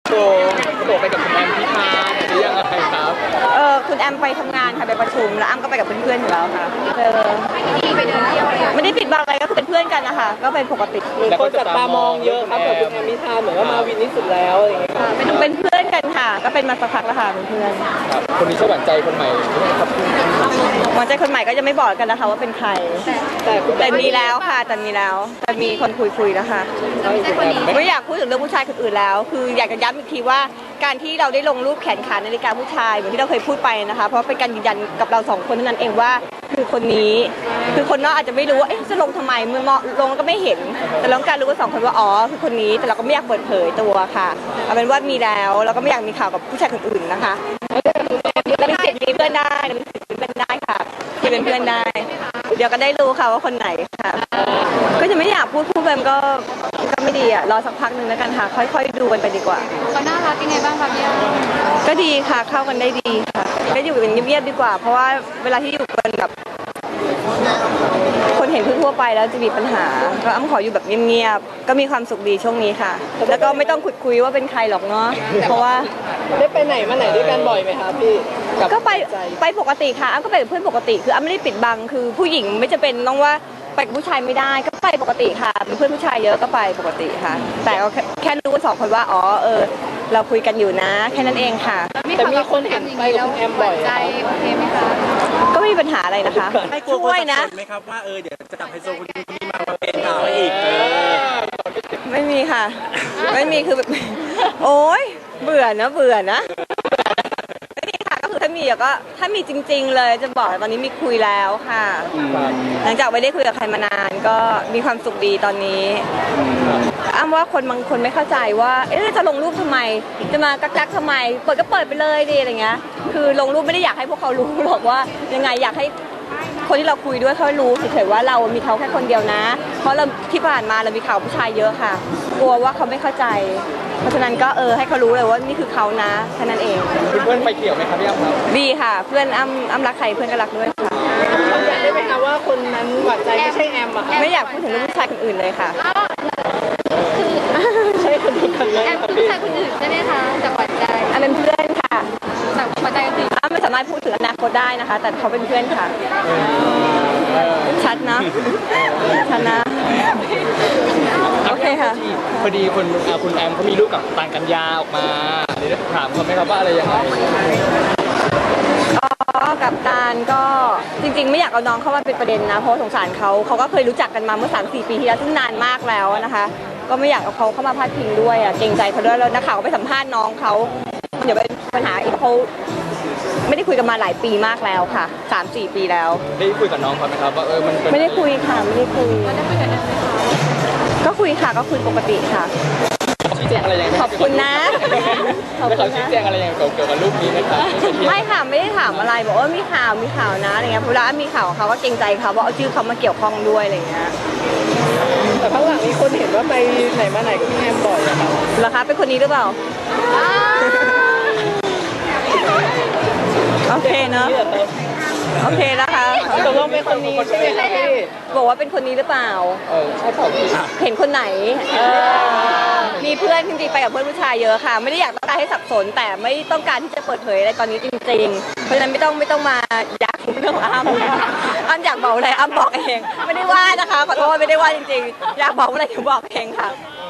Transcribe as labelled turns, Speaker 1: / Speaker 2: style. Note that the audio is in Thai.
Speaker 1: โตโตไปกับคุณแอมพิธาหรือยังไงครับ
Speaker 2: คุณแอมไปทำงานค่ะไปประชุมแล้วอ้ำก็ไปกับเพื่อนๆอยู่แล้วค่ะ
Speaker 3: ไปเดินเที่ยว
Speaker 2: ไม่ได้ปิดบังอะไรก็คือเป็นเพื่อนกันนะคะก็เป็นปกติ
Speaker 1: คนจับตามองเยอะครับกับคุณแอมพิธาเหมือนว่ามาวินที่สุดแล้วอะไรอย่างเงี้ย
Speaker 2: เป็นเพื่อนกันค่ะก็เป็นมาสักพักแล้วค่ะเป็นเพื่อน
Speaker 1: คนนี้ใช่หวานใจคนใหม่ใช่ไหมครับ
Speaker 2: หวานใจคนใหม่ก็จะไม่บอกกันนะคะว่าเป็นใครแต่มีแล้วค่ะแต่มีคนคุยแล้วค่ะไม่อยากพูดถึงเรื่องผู้ชายคนอื่นแล้วคืออยากจะย้ำอีกทีว่าการที่เราได้ลงรูปแขนขานาฬิกาผู้ชายเหมือนที่เราเคยพูดไปนะคะเพราะเป็นการยืนยันกับเราสองคนเท่านั้นเองว่าคือคนนี้คือคนนอกอาจจะไม่รู้ว่าจะลงทำไมเมื่อลงก็ไม่เห็นแต่เราการรู้กันสองคนว่าอ๋อคือคนนี้แต่เราก็ไม่อยากเปิดเผยตัวค่ะเอาเป็นว่ามีแล้วเราก็ไม่อยากมีข่าวกับผู้ชายคนอื่นนะคะเรามีสิทธิ์มีเพื่อนได้มีสิทธิ์มีเพื่อนได้ค่ะที่เป็นเพื่อนได้เดี๋ยวก็ได้รู้ค่ะว่าคนไหนค่ะก็จะไม่อยากพูดไปมันก็ไม่ดีอ่ะรอสักพักหนึ่งแล้วกันค่ะค่อยๆดูกันไปดีกว่า
Speaker 3: เขาน่ารักยังไงบ้างคะพี่อ้
Speaker 2: ก็ดีค่ะเข้ากันได้ดีค่ะก็อยู่กันเงียบๆดีกว่าเพราะว่าเวลาที่อยู่กันแบบคนเห็นทั่วไปแล้วจะมีปัญหาก็อ้ำขออยู่แบบเงียบๆก็มีความสุขดีช่วงนี้ค่ะแล้วก็ไม่ต้องขุดคุยว่าเป็นใครหรอกเนาะเพราะว่า
Speaker 1: ได้ไปไหนมาไหนด้วยกันบ่อยไหมคะพี่
Speaker 2: ก็ไปปกติค่ะอ้ำก็ไปกับเพื่อนปกติคืออ้ำไม่ได้ปิดบังคือผู้หญิงไม่จะเป็นต้องว่าไปกับผู้ชายไม่ได้ก็ไปปกติค่ะเพื่อนผู้ชายเยอะก็ไปปกติค่ะแต่ก็แค่รู้กันสองคนว่าอ๋อเราคุยกันอยู่นะแค่นั้นเองค่ะ
Speaker 1: แต่มีคนเห็นไปกับแอมบ่อย
Speaker 3: ใจโอเคไหมคะ
Speaker 2: ก็ไม่มีปัญหาอะไรนะคะช่วยนะ
Speaker 4: ไหมครับว่าเดี๋ยวจะจับไฮโซคนนี้มาเป็นข่าวอีก
Speaker 2: ไม่มีค่ะไม่มีคือแบบโอ๊ยเบื่อนะไม่มีค่ะก็คือถ้ามีจริงๆเลยจะบอกตอนนี้มีคุยแล้วค่ะหลังจากไม่ได้คุยกับใครมานานก็มีความสุขดีตอนนี้อ้ำว่าคนบางคนไม่เข้าใจว่าจะลงรูปทำไมจะมากักทำไมเปิดก็เปิดไปเลยดิอะไรเงี้ยคือลงรูปไม่ได้อยากให้พวกเขารู้หรอกว่ายังไงอยากให้คนที่เราคุยด้วยเขารู้เฉยๆว่าเรามีเขาแค่คนเดียวนะเพราะเราที่ผ่านมาเรามีข่าวผู้ชายเยอะค่ะกลัวว่าเขาไม่เข้าใจเพราะฉะนั้นก็ให้เขารู้เลยว่านี่คือเขานะแค่นั้นเอง
Speaker 1: เพื่อนไปเกี่ยวไหมครับพี่อ้ำครับ
Speaker 2: ดีค่ะเพื่อนอ้ำรักใครเพื่อนก็รักด้วยค่ะ
Speaker 1: อยากได้ไหมคะว่าคนนั้นหวานใจไม่ใช่แอมอะ
Speaker 2: ไม่อยากพูดถึงเรื่องผู้ชายคนอื่นเลยค่ะ
Speaker 1: ใช่คนอื่นกันเลย
Speaker 3: แอมคือผู้ชายคนอื่นใช่ไหมคะจากหวานใจ
Speaker 2: อันเป็นเพื่อนค่ะ
Speaker 3: จากหวานใจคือ
Speaker 2: อ้ำไม่สามารถพูดถึงอนาคตได้นะคะแต่เขาเป็นเพื่อนค่ะชัดนะโอเคค่ะ
Speaker 1: พอดีคุณแอมเขามีลูกกับปานกัญญาออกมาเดี๋ยวถามเขาไหมครับว่าอะไรยังไง
Speaker 2: กับการก็จริงๆไม่อยากเอาน้องเข้ามาเป็นประเด็นนะเพราะสงสารเขาก็เคยรู้จักกันมาเมื่อ 3-4 ปีที่แล้วซึ่งนานมากแล้วนะคะก็ไม่อยากเอาเขาเข้ามาพาดพิงด้วยเกรงใจเขาด้วยแล้วนักข่าวก็ไปสัมภาษณ์น้องเขาเดี๋ยวเป็นปัญหาอีกเขาไม่ได้คุยกันมาหลายปีมากแล้วค่ะ 3-4 ปีแล้ว
Speaker 1: ได้คุยกับน้องเขาไหมครับว่ามัน
Speaker 2: ไม่ได้คุยค่ะไม่ได้คุยก็คุยค่ะก็คุยปกติค่ะ
Speaker 1: ชี้แจงอะไรยังไง
Speaker 2: ขอบคุณนะ
Speaker 1: เขาชี้แจงอะไรยังไงเกี่ยวกับรูปนี้นะครับ
Speaker 2: ไม่ค่ะไม่ได้ถามอะไรบอกว่ามีข่าวนะอะไรเงี้ยเพราะว่ามีข่าวเขาก็เกรงใจเขาว่าเอาชื่อเขามาเกี่ยวข้องด้วยอะไรเงี้ย
Speaker 1: แต่ข้างหลังมีคนเห็นว่าไปไหนมาไหนกับพี่แอมบ่อยอะครับ
Speaker 2: เหรอคะเป็นคนนี้หรือเปล่าโอเคเนอะโอเคนะคะ
Speaker 1: ตกลงเป็นคนนี้ใช่ไหมคะพี่
Speaker 2: บอกว่าเป็นคนนี้หรือเปล่า
Speaker 1: ใช่ผม
Speaker 2: เห็นคนไหนมีเพื่อนจริงๆไปกับเพื่อนผู้ชายเยอะค่ะไม่ได้อยากต้องการให้สับสนแต่ไม่ต้องการที่จะเปิดเผยอะไรตอนนี้จริงๆเพราะฉะนั้นไม่ต้องมายักเรื่องของอ้ำอยากบอกอะไรอ้ำบอกเองไม่ได้ว่านะคะขอโทษไม่ได้ว่าจริงๆอยากบอกอะไรถึงบอกเองค่ะ